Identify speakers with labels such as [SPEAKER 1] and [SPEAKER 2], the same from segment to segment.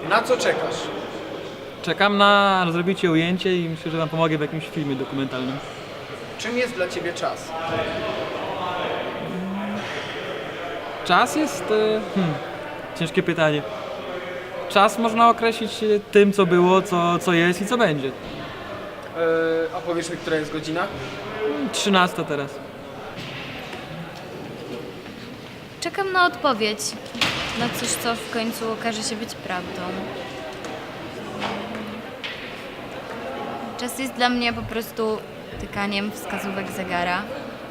[SPEAKER 1] Na co czekasz?
[SPEAKER 2] Czekam na zrobicie ujęcie i myślę, że wam pomogę w jakimś filmie dokumentalnym.
[SPEAKER 1] Czym jest dla ciebie czas?
[SPEAKER 2] Czas jest... ciężkie pytanie. Czas można określić tym, co było, co jest i co będzie.
[SPEAKER 1] A powiesz mi, która jest godzina?
[SPEAKER 2] 13 teraz.
[SPEAKER 3] Czekam na odpowiedź. Na coś, co w końcu okaże się być prawdą. Czas jest dla mnie po prostu tykaniem wskazówek zegara.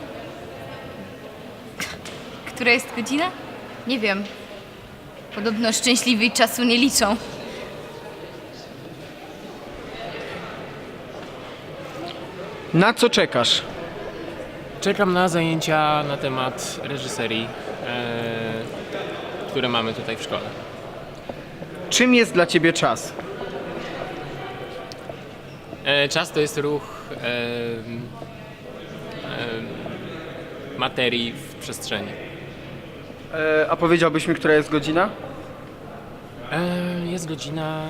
[SPEAKER 3] Która jest godzina? Nie wiem. Podobno szczęśliwi czasu nie liczą.
[SPEAKER 1] Na co czekasz?
[SPEAKER 4] Czekam na zajęcia na temat reżyserii, które mamy tutaj w szkole.
[SPEAKER 1] Czym jest dla ciebie czas?
[SPEAKER 4] Czas to jest ruch materii w przestrzeni.
[SPEAKER 1] A powiedziałbyś mi, która jest godzina?
[SPEAKER 4] Jest godzina...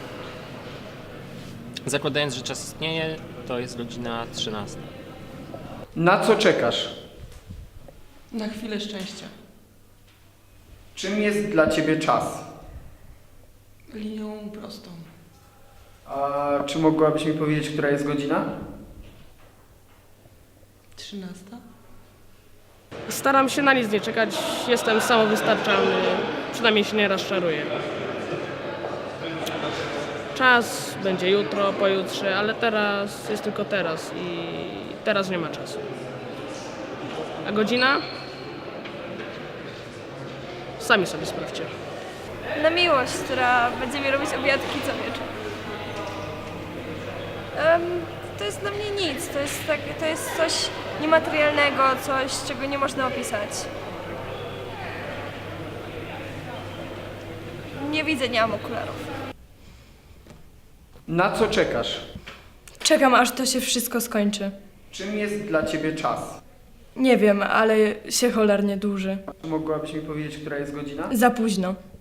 [SPEAKER 4] Zakładając, że czas istnieje, to jest godzina 13.
[SPEAKER 1] Na co czekasz?
[SPEAKER 5] Na chwilę szczęścia.
[SPEAKER 1] Czym jest dla ciebie czas?
[SPEAKER 5] Linią prostą.
[SPEAKER 1] A czy mogłabyś mi powiedzieć, która jest godzina?
[SPEAKER 5] 13.
[SPEAKER 6] Staram się na nic nie czekać, jestem samowystarczalny, przynajmniej się nie rozczaruję. Czas będzie jutro, pojutrze, ale teraz jest tylko teraz i teraz nie ma czasu. A godzina? Sami sobie sprawdźcie.
[SPEAKER 7] Na miłość, która będzie mi robić obiadki co wieczór. To jest dla mnie nic, to jest coś niematerialnego, coś, czego nie można opisać. Nie widzę, nie mam okularów.
[SPEAKER 1] Na co czekasz?
[SPEAKER 8] Czekam, aż to się wszystko skończy.
[SPEAKER 1] Czym jest dla ciebie czas?
[SPEAKER 8] Nie wiem, ale się cholernie dłuży.
[SPEAKER 1] Czy mogłabyś mi powiedzieć, która jest godzina?
[SPEAKER 8] Za późno.